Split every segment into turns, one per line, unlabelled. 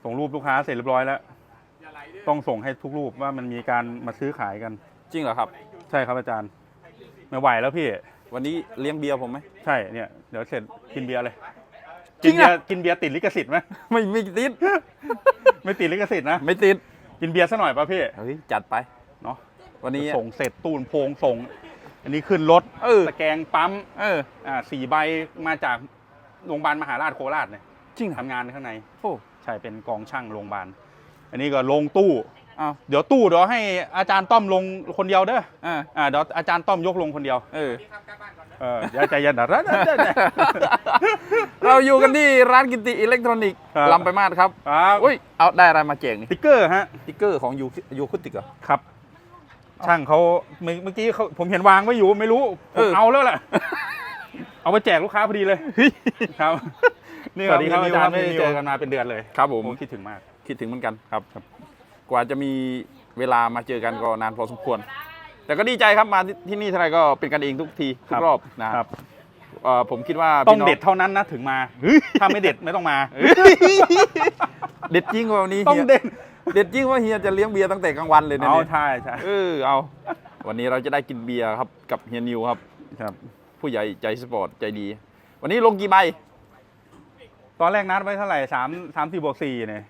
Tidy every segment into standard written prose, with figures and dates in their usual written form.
ส่งรูปลูกค้าเสร็จเรียบร้อยแล้วต้องส่งให้ทุกรูปว่ามันมีการมาซื้อขายกัน
จริงเหรอครับ
ใช่ครับอาจารย์ไม่ไหวแล้วพี่
วันนี้เลี้ยงเบียร์ผมไหม
ใช่เนี่ยเดี๋ยวเสร็จกินเบียร์เลย
กินเ
บียร์ติดลิขสิทธิ์ไหม
ไม่ติด
ไม่ติดลิขสิทธิ์นะ
ไม่ติด
กินเบียร์ซะหน่อยป่ะพี่
เฮ้ยจัดไป
เนาะ
วันนี้
ส่งเสร็จตูนโพงส่งอันนี้ขึ้นรถตะแกรงปั๊ม4 ใบมาจากโรงพยาบาลมหาราชโคราชเนี่ย
จริง
ทำงานข้างใน
โอ้
ใช่เป็นกองช่างโรงพยาบาลอันนี้ก็ลงตู้เดี๋ยวให้อาจารย์ต้อมลงคนเดียวเด้อเดี๋ยวอาจารย์ต้อมยกลงคนเดียวเดี๋ยวใจเย็นนะ
เราอยู่กันที่ร้านกิติอิเล็กทรอนิกส์ลำไปมาศครับอุ้ยเอาได้อะไรมาแจกนี่
ติ๊กเกอร์ฮะ
ติ๊กเกอร์ของยูคุติกเหรอ
ครับช่างเขาเมื่อกี้ผมเห็นวางไว้อยู่ไม่รู้ผมเอาแล้วแหละเอาไปแจกลูกค้าพอดีเลยครับสวัสดีครับอาจารย์ไม่ได้เจอกันมาเป็นเดือนเลย
ครับผม
คิดถึงมาก
คิดถึงเหมือนกันครับกว่าจะมีเวลามาเจอกันก็นานพอสมควรแต่ก็ดีใจครับมาที่นี่เท่าไหร่ก็เป็นกันเองทุกทีทุกรอบนะครับผมคิดว่า
ต้องเด็ดเท่านั้นนะถึงมาถ้าไม่เด็ดไม่ต้องมา
เด็ดจริงวันนี้
ต้องเ
ด็ดจริงว่าเฮียจะเลี้ยงเบียร์ตั้งแต่กลางวันเลยนะ
ใช่
เอาวันนี้เราจะได้กินเบียร์ครับกับเฮียนิวครับผู้ใหญ่ใจสปอร์ตใจดีวันนี้ลงกี่ใบ
ตอนแรกนัดไว้เท่าไหร่34+4เนี่ย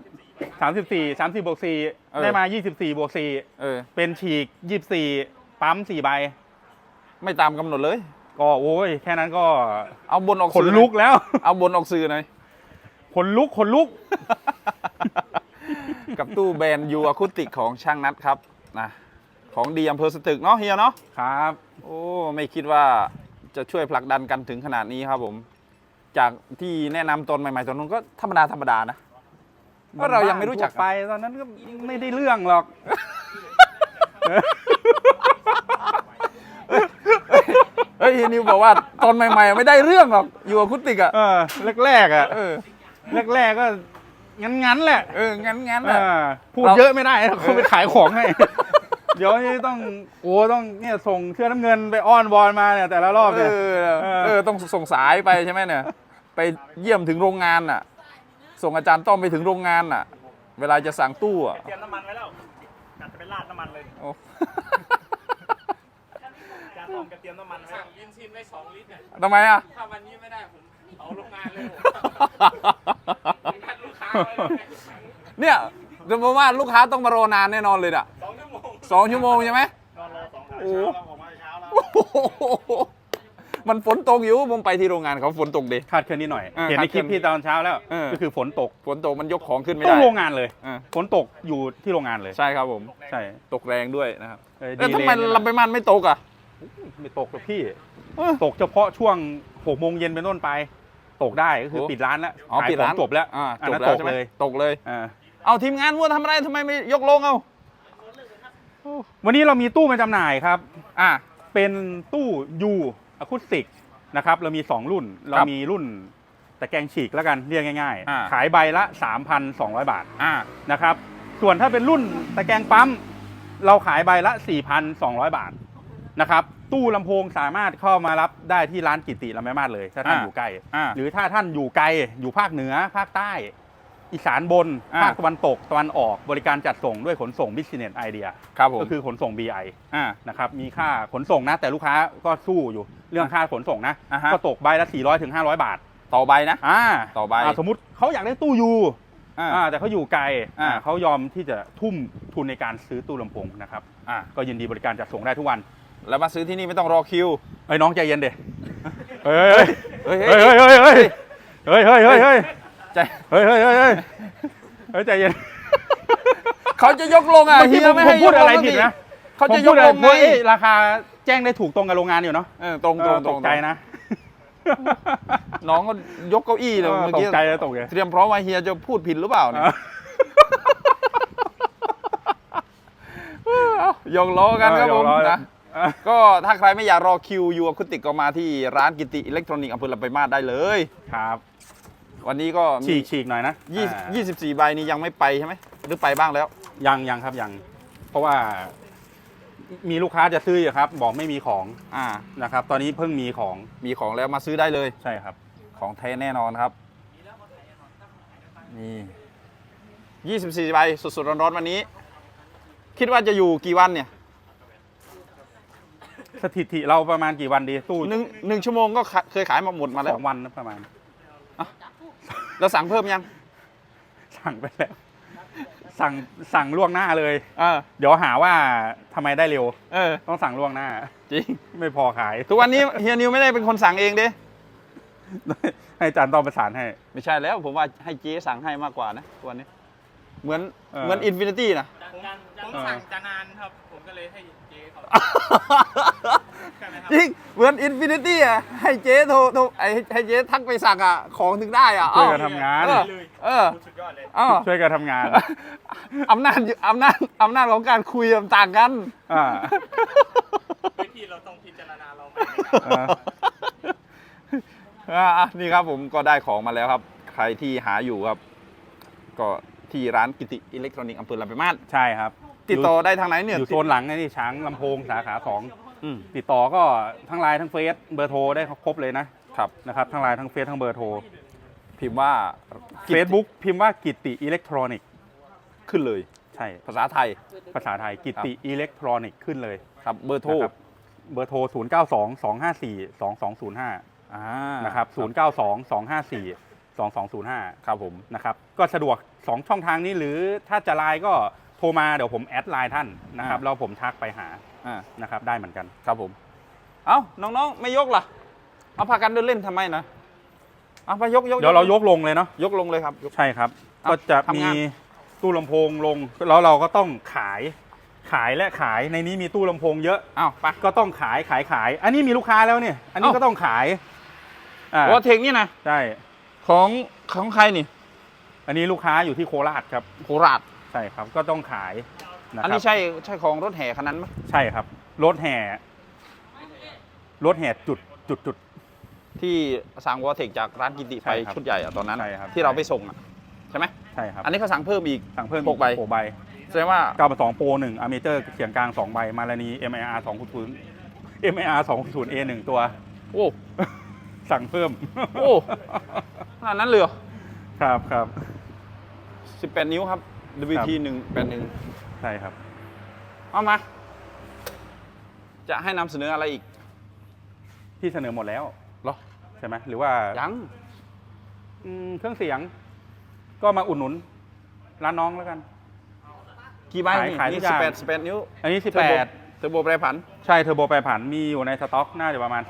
34+4ได้มา24+4เป็นฉีก24ปั๊ม4 ใบ
ไม่ตามกำหนดเลย
ก็โอ้ยแค่นั้นก็
เอาบนออก
ขนลุกแล้ว
เอาบนออกสื่อหน่อย
ขนลุก
กับตู้แบรนด์ยูอะคูติกของช่างนัดครับนะของดีอำเภอสตึกเนาะเฮียเนาะ
ครับ
โอ้ไม่คิดว่าจะช่วยผลักดันกันถึงขนาดนี้ครับผมจากที่แนะนำตอนใหม่ๆตอนนู้นก็ธรรมดานะก็เรายังไม่รู้จัก
ไปตอนนั้นก็ไม่ได้เรื่องหรอก
เฮ้ยนิวบอกว่าตอนใหม่ๆไม่ได้เรื่องหรอกอยู่อะคูติกอ่ะ
แรกก็งั้นแหละ
งั้นแหละ
พูดเยอะไม่ได้เขาไปขายของให้เดี๋ยวนี้ต้องเนี่ยส่งเชือกน้ำเงินไปอ้อนวอนมาเนี่ยแต่ละรอบเนี่ย
ต้องส่งสายไปใช่ไหมเนี่ยไปเยี่ยมถึงโรงงานอ่ะส่งอาจารย์ต้อมไปถึงโรงงานอ่ะเวลาจะสั่งตู้อ่ะ
เตรียมน้ำมันไว้แล้วจะไปราดน้ำมันเลยอาจารย์ต้อมเตรียมน้ำมันไว้สั่งยินซินไว้2 ลิตร
ทำไมอ่ะ
ถ้าวันนี้ไม่ได้ผมเอาโรงงานเลยลูกค้า
เนี่ยสมมติว่าลูกค้าต้องมารอนานแน่นอนเลยอ่ะ2 ชั่วโมงใช่ไหม
นอนรอ2
โอ้มันฝนตกอยู่ผมไปที่โรงงานเขาฝนตกดิ
คาดเคลื่อนนิดหน่อยเห็นในคลิปพี่ตอนเช้าแล้วก็คือฝนตก
มันยกของขึ้นไม่ได้
ต้องโรงงานเลยฝนตกอยู่ที่โรงงานเลย
ใช่ครับผม
ใช่
ตกแรงด้วยนะครับแล้วทำไมลำไปมันไม่ตกอ่ะ
ไม่ตกหรอกพี่ตกเฉพาะช่วง6 โมงเย็นเป็นต้นไปตกได้ก็คือปิดร้านแล้ว
ปิดร้าน
จบแล้ว
ตกเลยเอาทีมงานมัวทำอะไรทำไมไม่ยกลงเอา
วันนี้เรามีตู้มาจำหน่ายครับเป็นตู้ยูอะคูสติกนะครับเรามี2 รุ่นเรามีรุ่นตะแกรงฉีกแล้วกันเรียกง่ายๆขายใบละ 3,200 บาทนะครับส่วนถ้าเป็นรุ่นตะแกรงปั๊มเราขายใบละ 4,200 บาทนะครับตู้ลำโพงสามารถเข้ามารับได้ที่ร้านกิติลำไยมาศเลยถ้าท่านอยู่ใกล้หรือถ้าท่านอยู่ไกลอยู่ภาคเหนือภาคใต้อีสานบนภาคตะวันตกตะวันออกบริการจัดส่งด้วยขนส่ง Business Idea ก็คือขนส่ง BI นะครับมีค่าขนส่งนะแต่ลูกค้าก็สู้อยู่เรื่องค่าขนส่งนะก็ตกใบละ400 ถึง 500 บาท
ต่อใบนะต่อใบ
สมมุติเขาอยากได้ตู้ยูแต่เขาอยู่ไกลเขายอมที่จะทุ่มทุนในการซื้อตู้ลำโพงนะครับก็ยินดีบริการจัดส่งได้ทุกวัน
แล้วมาซื้อที่นี่ไม่ต้องรอคิว
น้องใจเย็นเด็เฮ้ยใจใจเย็น
เขาจะยกลงเฮียไม่ให้
พูดอะไรผิดนะ
เขาจะยกลงไง
ราคาแจ้งได้ถูกตรงกับโรงงานอยู่เนาะ
ตรง
ตกใจนะ
น้องก็ยกเก้าอี้เลยเมื่อกี้
ตกใจแล้วตกเลย
เตรียมพร้อมว่าเฮียจะพูดผิดหรือเปล่าเนี่ยยกล้อกันครับผมนะก็ถ้าใครไม่อยากรอคิวยูอะคูติกก็มาที่ร้านกิติอิเล็กทรอนิกส์อำเภอลำปางมาศได้เลย
ครับ
วันนี้ก็
ฉีกหน่อยนะ
24 ใบนี้ยังไม่ไปใช่ไหมหรือไปบ้างแล้ว
ยังครับยังเพราะว่ามีลูกค้าจะซื้ออยู่ครับบอกไม่มีของนะครับตอนนี้เพิ่งมีของ
แล้วมาซื้อได้เลย
ใช่ครับ
ของแท้แน่นอนครับนี่ 24 ใบสดๆร้อนๆวันนี้ คิดว่าจะอยู่กี่วันเนี่ย
สถิติเราประมาณกี่วันดีตู้
หนึ่งชั่วโมงก็เคยขายมาหมดมาแล้
ส
ว
องวันนะประมาณ
แล้วสั่งเพิ่มยัง
สั่งไปแล้วสั่งล่วงหน้าเลย
เออ
เดี๋ยวหาว่าทำไมได้เร็ว
เออ
ต้องสั่งล่วงหน้า
จริง
ไม่พอขาย
ทุกวันนี้เฮียนิวไม่ได้เป็นคนสั่งเองเด้
ให้อาจารย์ต้องประสานให้
ไม่ใช่แล้วผมว่าให้เจ๊สั่งให้มากกว่านะทุกวันนี้เหมือน
เออ
เหมือนอินฟินิตี้นะ
ผมสั่งจะนานครับ ผมก็เลยให้เจ๊เขาใช่ไหมครับ
จริงเหมือนอินฟินิตี้อ่ะให้เจ๊โทรให้เจ๊ทักไปสั่งอ่ะของถึงได้อ่ะ
ช่วยกันทำงาน
เออเออ
สุดยอดเลย
อ้าว
ช่วยกันทำงาน
อำนาจของการคุยมันต่างกัน
อ่า
วิธีเราต้องพิจารณาเราไหม
นี่ครับผมก็ได้ของมาแล้วครับ ใครที่หาอยู่ครับ ก็ที่ร้านกิติอิเล็กทรอนิกส์อำเภอลำปางมาศ
ใช่ครับ
ติดต่อได้ทางไหนเนี่ย
อยู่โซนหลังนี่ช้างลำโพงสาขา2
อืม
ติดต่อก็ทั้งไลน์ทั้งเฟซเบอร์โทรได้ครบเลยนะครับ นะครับทั้งไลน์ทั้งเฟซทั้งเบอร์โทร
พิมพ์ว่า
Facebook พิมพ์ว่ากิติอิเล็กทรอนิกส์
ขึ้นเลย
ใช่
ภาษาไทย
ภาษาไทยกิติอิเล็กทรอนิกส์ขึ้นเลย
ครับเบอร์โทร
นะครับเบอร์โทร 0 9 2 2 5 4 2 2 0 5 นะครับ 0 9 2 2 5 4 2 2 0 5
ครับผม
นะครับ ก็สะดวก 2 ช่องทางนี้หรือถ้าจะไลน์ก็โทรมาเดี๋ยวผมแอดไลน์ท่านนะครับแล้วผมทักไปหา นะครับได้เหมือนกัน
ครับผม เอ้าน้องๆไม่ยกล่ะ เอาพากันเดินเล่นทำไมนะเอาไปยก
เดี๋ยวเรายกลงเลยเนาะ
ยกลงเลยครับยก
ใช่ครับ
เอา
ก็จะ
ทำ
มี
งาน
ตู้ลำโพงลงแล้วเราก็ต้องขายและขายในนี้มีตู้ลำโพงเยอะ
อ้าวไป
ก็ต้องขาย อันนี้มีลูกค้าแล้วเนี่ยอันนี้
เอ้า
ก็ต้องขาย
โอเทคนี่นะ
ใช่
ของใครนี่
อันนี้ลูกค้าอยู่ที่โคราชครับ
โคราช
ใช่ครับก็ต้องขายนะ
อัน
ครั
นี้
บ
ใช่ของรถแห่คันนั้นไหม
ใช่ครับรถแห่จุด
ที่สั่งวอเทคจากร้านกิติ
ใช่
ไป
ครับ
ชุดใหญ่อะตอนนั้น
ใช่ครับ
ที่เราไปส่งอะใช่ไหม
ใช่ครับ
อันนี้เขาสั่งเพิ่มอีก
สั่งเพิ่ม
6ใบ
6 ใบ
แสดงว่า
9 2 Pro 1อเมเจอร์เสียงกลาง2 ใบมาลานี MIR 2.0 MIR 2.0 A 1 ตัว
โอ้
สั่งเพิ่ม
โอ้ขนาดนั้นเลยเหรอ
ครับ
18 นิ้วครับ WT 181
ใช่ครับ
เอามา จะให้นำเสนออะไรอีก
พี่เสนอหมดแล้ว
เหรอ
ใช่ไหมหรือว่า
ยัง
เครื่องเสียง ก็มาอุดหนุนร้านน้องแล้วกัน
กี่ใบนี่
ขายทุ
นี่
กอย่าง
18 นิ้ว
อันนี้
เทอร์โบแปรผัน
18 ใช่เทอร์โบแปรผันมีอยู่ในสต็อกน่าจะประมาณ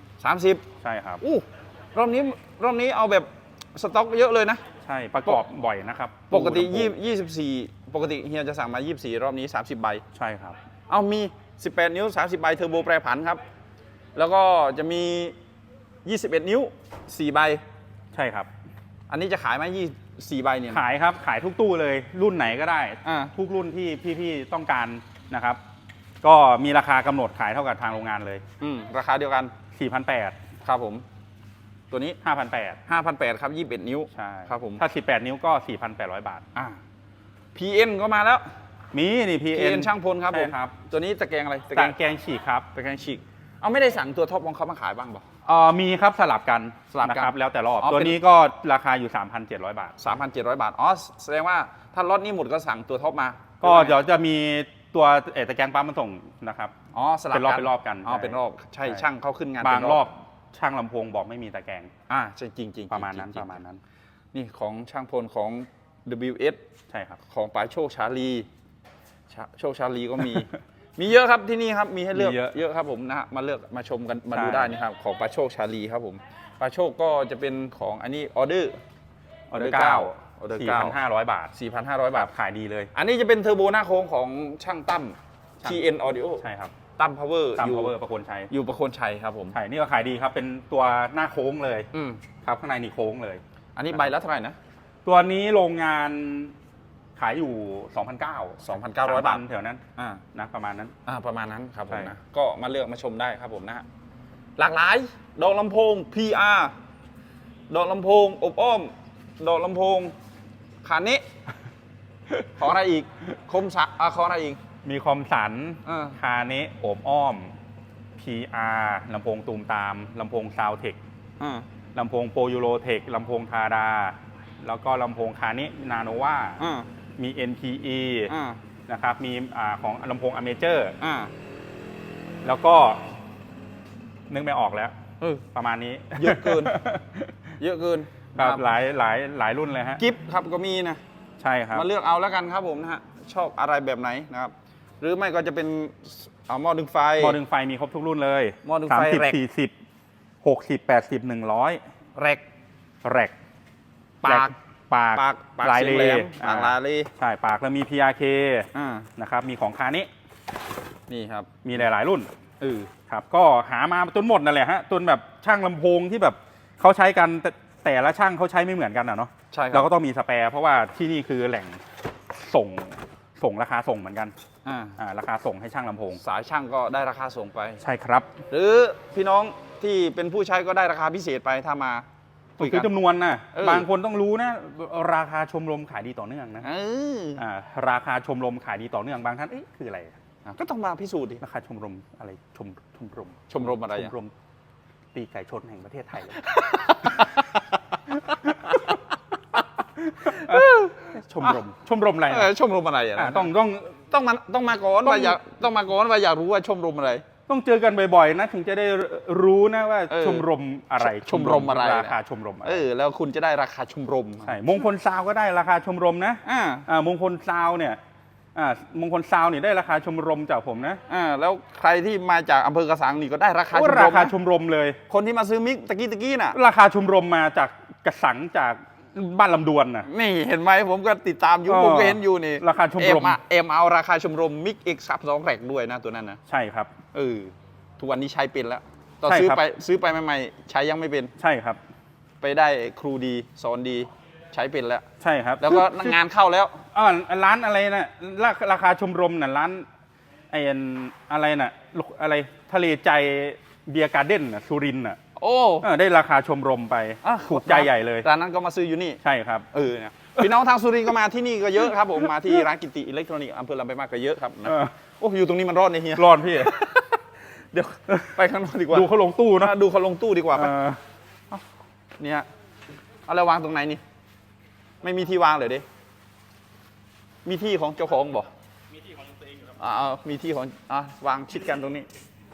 30 ใช่ครับ
อู้รอบนี้เอาแบบสต็อกเยอะเลยนะ
ใช่ประกอบบ่อยนะครับ
ปกติ
ตู้ลำโพง
24 ปกติเฮียจะสั่งมา 24 รอบนี้ 30 ใบ
ใช่ครับ
เอามี 18 นิ้ว 30 ใบเทอร์โบแปรผันครับ แล้วก็จะมี 21 นิ้ว 4 ใบ
ใช่ครับ
อันนี้จะขายไหม24 ใบเนี่ย
ขายครับขายทุกตู้เลยรุ่นไหนก็ได้
อ่า
ทุกรุ่นที่พี่ๆต้องการนะครับ ก็มีราคากำหนดขายเท่ากับทางโรงงานเลย
ราคาเดียวกัน
4,800
ครับผม ตัวนี้
5,800
5,800 ครับ 21 นิ้ว
ใช่
ครับผม
ถ้า 18 นิ้วก็ 4,800 บาท
PN ก็มาแล้ว
มีนี่ PN
PN ช่างพลครับผม
ใช่ครับ
ตัวนี้ตะแกรงอะไร
ตะแกรงฉีกครับ
ตะแกรงฉีก เอาไม่ได้สั่งตัวท็อปของเขามาขายบ้างเปล่า
มีครับสลับกัน
สลับกัน
นะครับแล้วแต่รอบ
อ๋อ
ตัว
เป็น
นี้ก็ราคาอยู่ 3,700 บาท
3,700 บาท อ๋อ แสดงว่าถ้าล็อตนี้หมดก็สั่งตัวท็อปมา
ก็เดี๋ยวจะมีตัวตะแกรงปั๊มมาส่งนะครับ
อ๋อ สลับ
เป็นรอบกัน
อ๋อ
ใช่
เป็นรอบ ใช่
ใช่
ช่างเขาขึ้นงาน
บาง
เป็น
รอบช่างลำโพงบอกไม่มีตะแกรง
ใช่จริงๆ
ประมาณนั้น
จงๆ
ประมาณนั้น
นี่ของช่างพลของ WS
ใช่ครับ
ของป๋าโชคชาลีโชคชาลีก็มี มีเยอะครับที่นี่ครับ มีให้เลือก
มีเยอะ
เยอะครับผมนะฮะมาเลือกมาชมกันมา
ใช่
ดูได้นี่ครับ ของป๋าโชคชาลีครับผมป๋าโชคก็จะเป็นของอันนี้ออเดอร์
ออเดอร์
ออเดอร์
9 4,500 บาท
4,500 บาท
ขายดีเลย
อันนี้จะเป็นเทอร์โบหน้าโค้งของช่างตั้ม
ช่าง
TN Audio
ใช่ครับ
ตั้ม Power
ตาม
อยู่
power ประโคนชัย
อยู่ประโคนชัยครับผม
ใช่นี่ก็ขายดีครับ เป็นตัวหน้าโค้งเลย
อืม
ครับข้างในนี่โค้งเลย
อันนี้ใบละเท่าไหร่นะ
ตัวนี้โรงงานขายอยู่ 2,900
2,900 บาท
แถวนั้น
อ่า
นะประมาณนั้น
ประมาณนั้นครับผม
ใช่
นะก็มาเลือกมาชมได้ครับผมนะฮะหลากหลายดอกลำโพง PR ดอกลำโพงอบอ้อมดอกลำโพงขานิ ขออะไรอีกคมสักขออะไรอีก
มีคอมสัน
อ่า
คาเนะโอบอ้อม PR ลำโพงตูมตามลำโพงซาวเทค
อ่า
ลำโพงโปรยูโรเทคลำโพงทาดา แล้วก็ลำโพงคาเนะนาโนวา
อ่า
มี NPE
อ่า
นะครับมีของลำโพง Amateur
อ่า
แล้วก็นึกไม่ออกแล้ว
เออ
ประมาณนี้
เยอะเกิน เยอะเกิน
ครับหลายรุ่นเลยฮะ
กิฟต์ครับก็มีนะ
ใช่ครับ
มาเลือกเอาแล้วกันครับผมนะฮะชอบอะไรแบบไหนนะครับ หรือไม่ก็จะเป็นหม้อดึงไฟ
หม้อดึงไฟมีครบทุกรุ่นเลย
หม้อดึงไฟแร็ก
30 40 60 80 100
แร็ก
แร็ก
ปาก
ปาก
ปาก
ลาย
เสี
เล
งแหมปากลายเล
ใช่ปากแล้วมี PRK
อ่า
นะครับมีของคานิ
นี่ครับ
มีหลายๆรุ่น
เออ
ครับก็หามาจนหมดนั่นแหละฮะจนแบบช่างลำโพงที่แบบเขาใช้กันแต่ละช่างเขาใช้ไม่เหมือนกันอ่ะเนาะ
ใช่ครั
เรา
บ
ก็ต้องมีสแปร์เพราะว่าที่นี่คือแหล่งส่งราคาส่งเหมือนกัน ราคาส่งให้ช่างลำโพง
สายช่างก็ได้ราคาส่งไป
ใช่ครับ
หรือพี่น้องที่เป็นผู้ใช้ก็ได้ราคาพิเศษไปถ้ามาคุย
คื
กั
อน จำนวนนะ
เออ
บางคนต้องรู้นะราคาชมรมขายดีต่อเนื่องนะ
เออ
ราคาชมรมขายดีต่อเนื่องบางท่านเอ๊ะคืออะไร
ก็ต้องมาพิสูจน์ดิ
ราคาชมรมอะไรชมรม
ชมรมอะไร
ช
อ่ะ
มรมตีไก่ชนแห่งประเทศไทยเลย ชมรมอะไร
เออชมรมอะไรอ่ะ ต้องมาก่อน
ต้อง
ว่าอยากรู้ว่าชมรมอะไร
ต้องเจอกันบ่อยๆนะถึงจะได้รู้นะว่า
เออ
ชมรมอะไร
ชมรมอะไร
ราคาชมรมอะไร
แล้วคุณจะได้ราคาชมรม
ใช่มงคลซาวก็ได้ราคาชมรมนะ มงคลซาวเนี่ยมงคลซาวเนี่ยได้ราคาชมรมจากผมนะ
แล้วใครที่มาจากอำเภอกระสังนี่ก็ได้ราคาช
ว่าม
ร
ราม คา
นะ
ชมรมเลย
คนที่มาซื้อมิกตะกี้น่ะ
ราคาชมรมมาจากกระสังจากบ้านลำดวนน่ะ
นี่เห็นไหมผมก็ติดตามอยู่
เออ
ผมก็เห็นอยู่นี่
ราคาชมรม
เอ็มเอาราคาชมรมมิกเอ็กซ์ซับสองแรกด้วยนะตัวนั้นนะ
ใช่ครับ
ทุกวันนี้ใช้เป็นแล้วตอน
ใช่ครับ
ซื้อไปใหม่ๆใช้ยังไม่เป็น
ใช่ครับ
ไปได้ครูดีสอนดีใช้เป็นแล้ว
ใช่ครับ
แล้วก็งานเข้าแล้ว
ร้านอะไรนะราคาชมรมน่ะร้านไอ้อะไรน่ะอะไรทะเลใจเบียร์การ์เด้นน่ะสุรินทร์น่ะ
โอ้
ได้ราคาชมรมไปถูกใจใหญ่เลย
ร้านนั้นก็มาซื้ออยู่นี่
ใช่ครับ
เนี่ยพี่น้องทางสุรินทร์ก็มาที่นี่ก็เยอะครับผมมาที่ร้านกิติอิเล็กทรอนิกส์อำเภอลำปางก็เยอะครับนะ โอ้อยู่ตรงนี้มันรอดเนี่ยเฮีย
ร้อนพี่
เดี๋ยวไปข้างนอกดีกว่า
ดูเขาลงตู้นะ
ดูเขาลงตู้ดีกว่าไป
เออ
เนี่ยเอาแล้ววางตรงไหนนี่ ไม่มีที่วางเลยดิมีที่ของเจ้าของบอก
มีที่ของตัวเองอยู่ครับ
มีที่ของวางชิดกันตรงนี้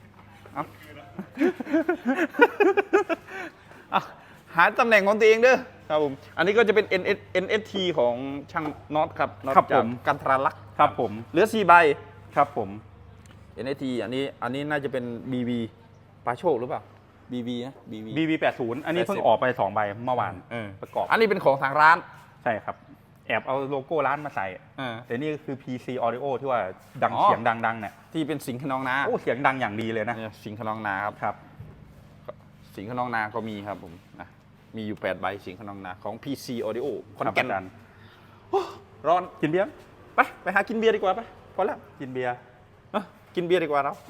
หาตำแหน่งของตัวเองเด้อครับผมอันนี้ก็จะเป็น NST ของช่างน็อตครับน็อต
ครับ
จา
ผ
ก
ม
กันทราลักษณ์
ครับผม
เหลือ4ใบ
ครับผม
NST อันนี้น่าจะเป็น BB ปาโชคหรือเปล่า BB นะ BB
BB80 อันนี้เพิ่ง
80
ออกไป2ใบเมื่อวานประกอบ
อันนี้เป็นของทางร้าน
ใช่ครับ แอบเอาโลโก้ร้านมาใส่ แต่นี่ก็คือ PC Audio ที่ว่าดัง
อ๋อ
เสียงดังๆเนี่ย
ที่เป็นสิงห์ขนองนา
โอ้เสียงดังอย่างดีเลยนะ
เนี่ยสิงห์ขนองนาครับ
ครับ
สิงห์ขนองนาก็มีครับผมนะมีอยู่8ใบสิงห์ขนองนาของ PC Audio ขอน
ครับ
แก่น
อาจารย์
ร้อน
กินเบียร์
ไปหากินเบียร์ดีกว่าไปพอแล้ว
กินเบียร์
กินเบียร์ดีกว่าเรา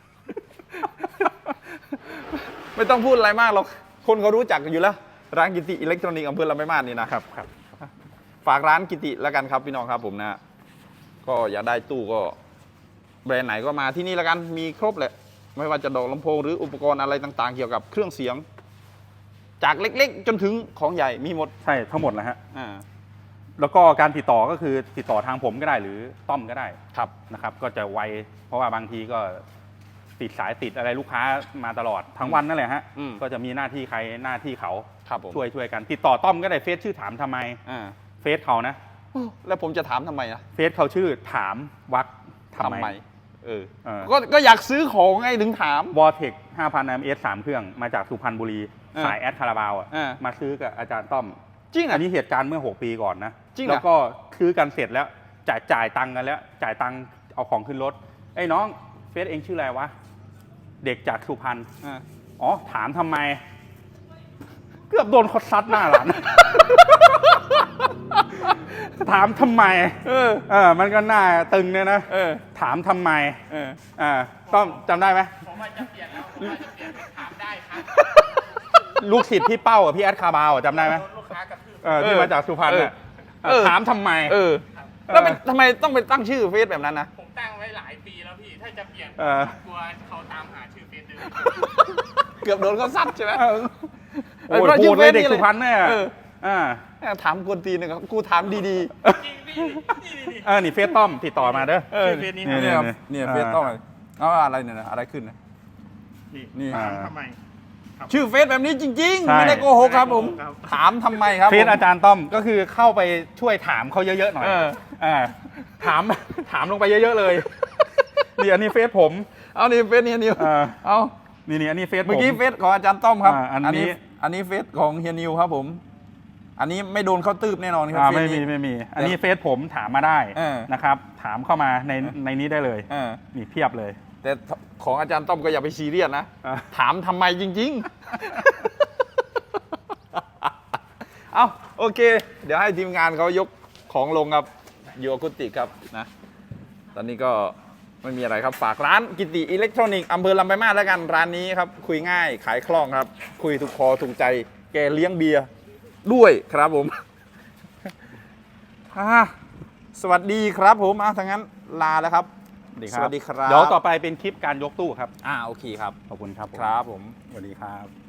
ไม่ต้องพูดอะไรมากหรอกคนเขารู้จักอยู่แล้ว ร้านกิติอิเล็กทรอนิกส์อำเภอลำปางนี่นะครับ ฝากร้านกิติแล้วกันครับพี่น้องครับผมนะก็อยากได้ตู้ก็แบรนด์ไหนก็มาที่นี่แล้วกันมีครบแหละไม่ว่าจะดอกลำโพงหรืออุปกรณ์อะไรต่างๆ เกี่ยวกับเครื่องเสียง จากเล็กๆ จนถึงของใหญ่มีหมด
ใช่ทั้งหมดนะฮะ
อ่า
แล้วก็การติดต่อก็คือติดต่อทางผมก็ได้หรือต้อมก็ได้
ครับ
นะครับ ก็จะไวเพราะว่าบางทีก็ติดสายติดอะไรลูกค้ามาตลอดทั้งวันนั่นแหละฮะ
อืม
ก็จะมีหน้าที่ใครหน้าที่เขา
ครับผม
ช่วยกันติดต่อต้อมก็ได้เฟซชื่อถามทำไม
อ่า
เฟซเขานะ
แล้วผมจะถามทำไมนะ
เฟซเขาชื่อถามวักทำไม
เออ
เออ
ก็อยากซื้อของไงถึงถาม
วอเทค 5,000 ms 3 เครื่องมาจากสุพรรณบุรี สายแอดคาราบาวอ่ะ
เออ
มาซื้อกับอาจารย์ต้อม
จริง
อั
อ่ะ
นนี้เหตุการณ์เมื่อ 6 ปีก่อนนะ
จริงเหรอ
แล้วก็ซื้อกันเสร็จแล้วจ่ายตังค์กันแล้ว จ่ายตังค์เอาของขึ้นรถไอ้น้องเฟซเองชื่ออะไรวะ เด็กจากสุพรรณ
อ่า
อ๋อ ถามทำไม เกือบโดนเขาซัดหน้าหลาน ถามทำไม มันก็หน้าตึงเนี่ยนะ ถามทำไม ต้อมจำได้ไหม
ผมว่าจะเปลี่ยนแล้วผมว่าจะเปลี่ยนเป็นถามได้ครับ
ลูกศิษย์พี่เป้าอ่ะพี่แอดคาบาวอ่ะจำได้ไหม
โดนลูกค้ากระทืบ
ที่มาจากสุพรรณอ่ะถามทำไม
แล้วทำไมต้องไปตั้งชื่อเฟซแบบนั้นนะ
ผมตั้งไว้หลายปีแล้วพี่ ถ้าจะเปลี่ยน
เออ
กลัวเขาตามหาชื่อเฟซเดิม
เกือบโดนเขาซัดใช่ไหม
โอ้ยโหดเลยเด็กสุพรรณเนี่ย
ถามกวนตีนหนึ่งครับกูถามดี
จริงพี่
นี่เฟซต้อมติดต่อมาเด้อ
ชื่อเฟซนี้ครับ
เนี่ยครับ
นี่
เนี่ยเฟซต้องเอาอะไรเนี่ยนะอะไรขึ้นนะ นี่
ถามทำไม
ชื่อเฟซแบบนี้จริง
ใช่
ๆ ไม่ได้โกหกครับผม
ครับ
ถามทำไมครับ
เฟซ
ผม
อาจารย์ต้อมก็คือเข้าไปช่วยถามเขาเยอะๆหน่อย
เออ
ถามลงไปเยอะๆเลยนี่อันนี้เฟซผม
เอานี่เฟซเนี่ยนิว เอา
นี่อันนี้เฟซผม
เมื่อกี้เฟซของอาจารย์ต้อมครับ
อันนี้
อันนี้เฟซของเฮียนิวครับผม อันนี้ไม่โดนเขาตืบแน่นอนครับเฟซ
ไม่
นี้
มีอันนี้เฟซผมถามมาได้
เออ
นะครับ ถามเข้ามาในนี้ได้เลย
เออ
นี่เพียบเลย
แต่ของอาจารย์ต้อมก็อย่าไปซีเรียสนะ
อ่ะ
ถามทำไมจริง ๆ เอาโอเค เดี๋ยวให้ทีมงานเขายกของลงครับยูอะคูติกครับนะ ตอนนี้ก็ไม่มีอะไรครับ ฝากร้านกิติอิเล็กทรอนิกส์อำเภอลำปางมาศแล้วกันร้านนี้ครับ คุยง่ายขายคล่องครับ คุยถูกคอถูกใจ แกเลี้ยงเบียร์ด้วยครับผม สวัสดีครับผมถ้างั้นลาแล้วครับ สวัสดีครับ
เดี๋ยวต่อไปเป็นคลิปการยกตู้ครับ
โอเคครับ
ขอบคุณครับผม
ครับผม
สวัสดีครับ